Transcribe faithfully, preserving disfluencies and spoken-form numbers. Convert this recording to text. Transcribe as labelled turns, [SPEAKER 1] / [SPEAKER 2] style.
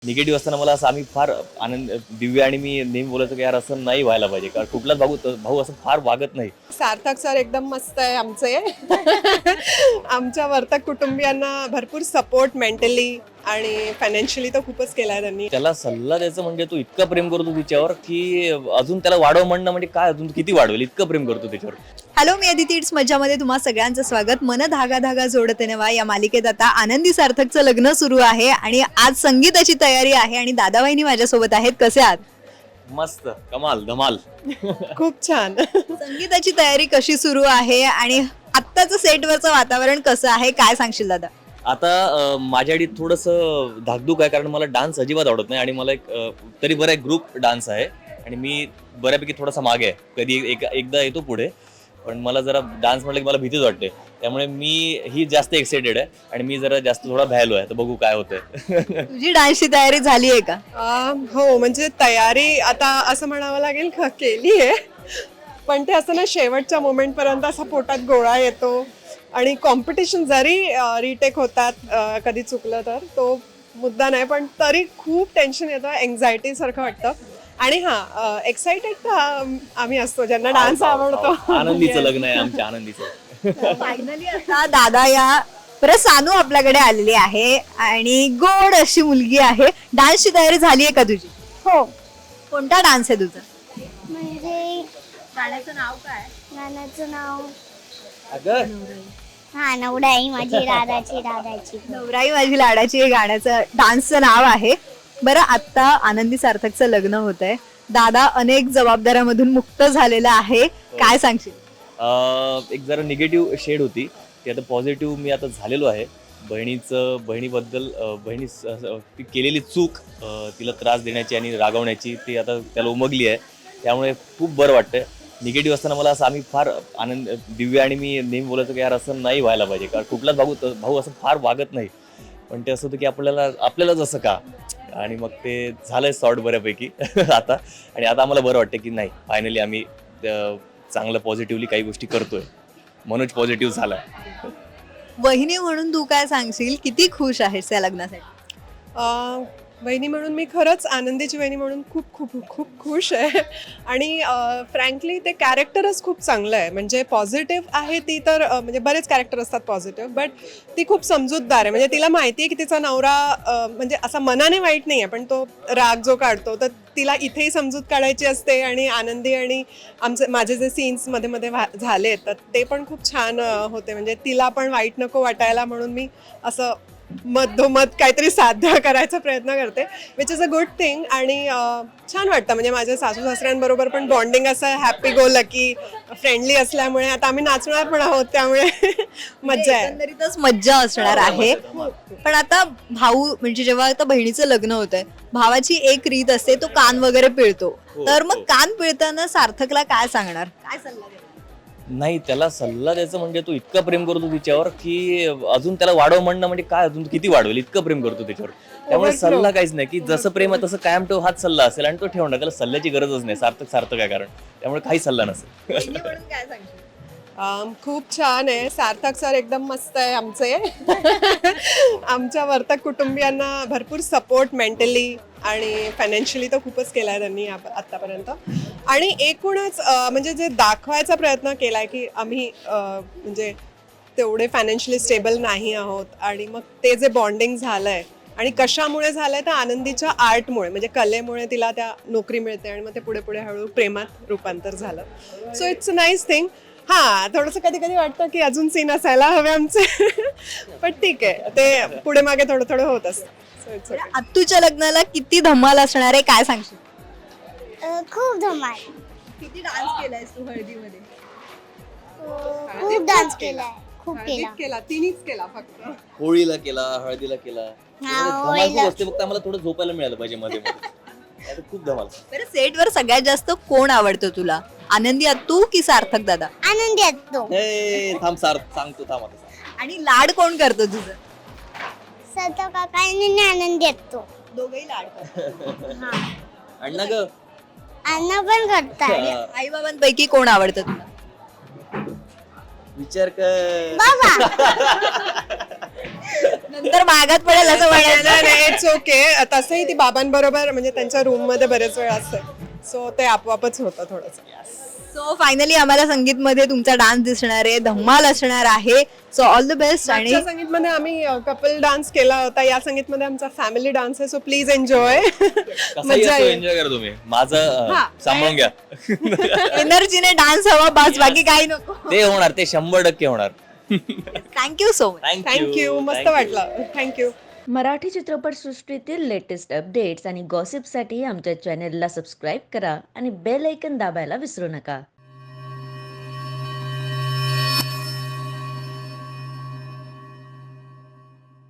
[SPEAKER 1] Negative असताना मला असं आम्ही फार आनंद दिव्या आणि मी नेहमी बोलायचो की यार असं नाही व्हायला पाहिजे, कारण कुठलाच भाऊ भाऊ असं फार वागत नाही.
[SPEAKER 2] सार्थक सर एकदम मस्त आहे आमचे. आमच्या वर्तक कुटुंबियांना भरपूर सपोर्ट मेंटली आणि फायनान्शियली तर खूपच केलाय त्यांनी.
[SPEAKER 1] त्याला सल्ला द्यायचं म्हणजे तू इतका प्रेम करतो तिच्यावर की अजून त्याला वाढव म्हणणं म्हणजे काय, अजून किती वाढवेल, इतकं प्रेम करतो त्याच्यावर.
[SPEAKER 3] हॅलो, मी अदिती इट्स मज्जामध्ये तुम्हा सगळ्यांचं स्वागत. मन धागा धागा जोडते नवा या मालिकेत आता आनंदी सार्थकचं लग्न सुरू आहे आणि आज संगीताची तयारी आहे आणि दादाबाईंनी माझ्यासोबत आहेत. कसे आहात?
[SPEAKER 1] मस्त, कमाल, धमाल.
[SPEAKER 2] खूप छान.
[SPEAKER 3] संगीताची तयारी कशी सुरू आहे आणि आत्ताचं सेटवरचं वातावरण कसं आहे, काय सांगशील दादा?
[SPEAKER 1] आता अं, माझ्यासाठी थोडंसं धाकधूक आहे, कारण मला डान्स अजिबात आवडत नाही आणि मला एक अं, तरी बरं एक ग्रुप डान्स आहे आणि मी बऱ्यापैकी थोडासा मागे आहे. कधी एक एकदा येतो पुढे, पण मला जरा डान्स म्हटलं की मला भीतीच वाटते. त्यामुळे मी ही जास्त एक्साइटेड आहे आणि मी जरा जास्त थोडा भ्यायलो आहे. तर बघू काय होतंय.
[SPEAKER 3] तुझी डान्सची तयारी झाली आहे का?
[SPEAKER 2] अं, हो, म्हणजे तयारी आता असं म्हणावं लागेल का केली आहे, पण ते असं ना शेवटच्या मोमेंट पर्यंत असा पोटात गोळा येतो आणि कॉम्पिटिशन जरी रिटेक होतात, अं, कधी चुकलं तर तो मुद्दा नाही, पण तरी खूप टेन्शन येतं, एन्झायटी सारखं वाटतं. आणि हा एक्साइटेड तर अं, आम्ही असतो ज्यांना डान्स आवडतो.
[SPEAKER 1] आनंदीचं लग्न आहे आमच्या, आनंदीचं.
[SPEAKER 3] फायनली आता दादा या परत सानू आपल्याकडे आलेली आहे आणि गोड अशी मुलगी आहे. डान्सची तयारी झाली आहे का तुझी?
[SPEAKER 4] हो,
[SPEAKER 3] कोणता डान्स आहे तुझा?
[SPEAKER 4] म्हणजे
[SPEAKER 3] गाण्याचं नाव काय?
[SPEAKER 4] गाण्याचं नाव
[SPEAKER 1] अगं
[SPEAKER 4] हा नवडाई माझी राधाची राधाची.
[SPEAKER 3] नवराई माझी लाडाची हे गाण्याचं डान्सचं नाव आहे. बरं, आता आनंदी सार्थकचं लग्न होत आहे. दादा अनेक जबाबदाऱ्यामधून मुक्त झालेला आहे, काय सांगशील?
[SPEAKER 1] अं, एक जरा निगेटिव्ह शेड होती ती आता पॉझिटिव्ह मी आता झालेलो आहे. बहिणीचं बहिणीबद्दल अं, बहिणी स- स- ती केलेली चूक, अं, तिला त्रास देण्याची आणि रागवण्याची, ती आता त्याला उमगली आहे. त्यामुळे खूप बरं वाटतंय. निगेटिव्ह असताना मला असं आम्ही फार आनंद दिव्या आणि मी नेहमी बोलायचो की यार असं नाही व्हायला पाहिजे, कारण कुठलाच भाऊ भाऊ असं फार वागत नाही. पण ते असं होतं की आपल्याला आपल्यालाच असं का, आणि मग ते झालंय सॉर्ट बऱ्यापैकी आता. आणि आता आम्हाला बरं वाटतं की नाही, फायनली आम्ही अं, चांगलं पॉझिटिव्हली काही गोष्टी करतोय. मनोज पॉझिटिव्ह झालाय.
[SPEAKER 3] वहिनी म्हणून तू काय सांगशील, किती खुश आहेस या लग्नासाठी?
[SPEAKER 2] अं, वहिनी म्हणून मी खरंच आनंदीची वहिनी म्हणून खूप खूप खूप खुश आहे. आणि फ्रँकली ते कॅरेक्टरच खूप चांगलं आहे. म्हणजे पॉझिटिव्ह आहे ती तर, अं, म्हणजे बरेच कॅरेक्टर असतात पॉझिटिव्ह, बट ती खूप समजूतदार आहे. म्हणजे तिला माहिती आहे की तिचा नवरा अं, म्हणजे असा मनाने वाईट नाही आहे, पण तो राग जो काढतो तर तिला इथेही समजूत काढायची असते. आणि आनंदी आणि आमचे माझे जे सीन्स मध्ये मध्ये व्हा- झाले तर ते पण खूप छान अं, होते. म्हणजे तिला पण वाईट नको वाटायला म्हणून मी असं मधोमध काहीतरी साध्य करायचा प्रयत्न करते, which is a good thing. आणि अं, छान वाटतं. म्हणजे माझ्या सासू सासऱ्यांबरोबर पण बॉन्डिंग असं हॅपी गो लकी फ्रेंडली असल्यामुळे आता आम्ही नाचणार पण आहोत, त्यामुळे मज्जा आहे.
[SPEAKER 3] एकंदरीतच मज्जा असणार आहे. पण आता भाऊ म्हणजे जेव्हा आता बहिणीचं लग्न होत आहे, भावाची एक रीत असते, तो कान वगैरे पिळतो.
[SPEAKER 1] हो,
[SPEAKER 3] तर मग
[SPEAKER 1] हो.
[SPEAKER 3] कान पिळताना सार्थकला काय सांगणार, काय सल्ला देणार?
[SPEAKER 1] नाही, त्याला सल्ला द्यायचं म्हणजे तू इतका प्रेम करतो तिच्यावर की अजून त्याला वाढव म्हणणं म्हणजे काय, अजून किती वाढवेल, इतकं प्रेम करतो त्याच्यावर. त्यामुळे
[SPEAKER 2] Overflow.
[SPEAKER 1] सल्ला काहीच नाही, की जसं प्रेम आहे तसं कायम ठेव हाच सल्ला असेल आणि तो ठेवणार. त्याला सल्ल्याची गरजच नाही. सार्थक सार्थक आहे, कारण त्यामुळे काही सल्ला नसेल.
[SPEAKER 3] वहिनी म्हणून काय सांगशील?
[SPEAKER 2] अम, खूप छान आहे. सार्थक सर एकदम मस्त आहे आमचे. आमच्या वर्तक कुटुंबियांना भरपूर सपोर्ट मेंटली आणि फायनान्शियली तर खूपच केलाय त्यांनी आप- आतापर्यंत. आणि एकूणच अं, म्हणजे जे दाखवायचा प्रयत्न केलाय की आम्ही अं, म्हणजे तेवढे फायनान्शियली स्टेबल नाही आहोत. आणि मग ते जे बॉन्डिंग झालंय आणि कशामुळे झालंय तर आनंदीच्या आर्टमुळे, म्हणजे कलेमुळे तिला त्या नोकरी मिळते आणि मग ते पुढे पुढे हळूहळू प्रेमात रूपांतर झालं. So it's a nice thing. हा, थोडंसं कधी कधी वाटतं की अजून सीन असायला हवे आमचे, पण ठीक आहे, ते पुढे मागे थोडं थोडं होत असतं. सो इट्स
[SPEAKER 3] बरं, आत्तूच्या लग्नाला किती धमाल असणार आहे, काय सांगशील?
[SPEAKER 4] अ, खूप धमाल.
[SPEAKER 3] किती डान्स केलायस तू हळदीमध्ये?
[SPEAKER 4] अ, खूप डान्स केलाय, खूप केला.
[SPEAKER 2] केला, तिन्हीच केला फक्त.
[SPEAKER 1] होळीला केला, हळदीला केला.
[SPEAKER 4] हा,
[SPEAKER 1] धमाल खूप
[SPEAKER 4] होळीला.
[SPEAKER 1] असते, फक्त आम्हाला थोडं झोपायला मिळालं पाहिजे मध्ये मध्ये. नाहीतर खूप धमाल.
[SPEAKER 3] बरं, सेटवर सगळ्यात जास्त कोण आवडतं तुला, आनंदी अत्तू की सार्थक दादा?
[SPEAKER 4] आनंदी असतो.
[SPEAKER 1] हे थांब, सार्थ सांगतो, थांब आता सांग.
[SPEAKER 3] आणि लाड कोण करतो तुझं?
[SPEAKER 4] सत काका आणि आनंदी असतो.
[SPEAKER 3] दोघही लाड करतात.
[SPEAKER 4] हा,
[SPEAKER 1] अण्णा ग.
[SPEAKER 4] अण्णा पण करतात.
[SPEAKER 3] आई बाबांपैकी कोण आवडतं तुला?
[SPEAKER 1] विचार कर.
[SPEAKER 4] बाबा
[SPEAKER 3] नंतर मागात पडेल असं म्हणायचं.
[SPEAKER 2] नाही नाही इट्स ओके. तसंही ती बाबांबरोबर म्हणजे त्यांच्या रूम मध्ये बरेच वेळ असते, सो ते आपोआपच होतं थोडंसं.
[SPEAKER 3] सो फायनली आम्हाला संगीतमध्ये तुमचा डान्स दिसणार आहे, धम्माल असणार आहे. So all the best. आणि
[SPEAKER 2] मागच्या संगीतमध्ये आम्ही कपल डान्स केला होता, या संगीतमध्ये आमचा फॅमिली डान्स आहे, सो प्लीज एन्जॉय. मजा येईल.
[SPEAKER 1] एन्जॉय करा तुम्ही. माझं अं,
[SPEAKER 3] हा.
[SPEAKER 1] सांभाळून घ्या.
[SPEAKER 3] एनर्जीने डान्स हवा बस, बाकी काही नको.
[SPEAKER 1] ते होणार, ते शंभर टक्के होणार.
[SPEAKER 3] Thank you so much.
[SPEAKER 2] थँक्यू, मस्त वाटलं. थँक्यू.
[SPEAKER 5] मराठी चित्रपटसृष्टीतील लेटेस्ट अपडेट्स आणि गॉसिपसाठी आमच्या चॅनेलला सबस्क्राईब करा आणि बेल ऐकन दाबायला विसरू नका.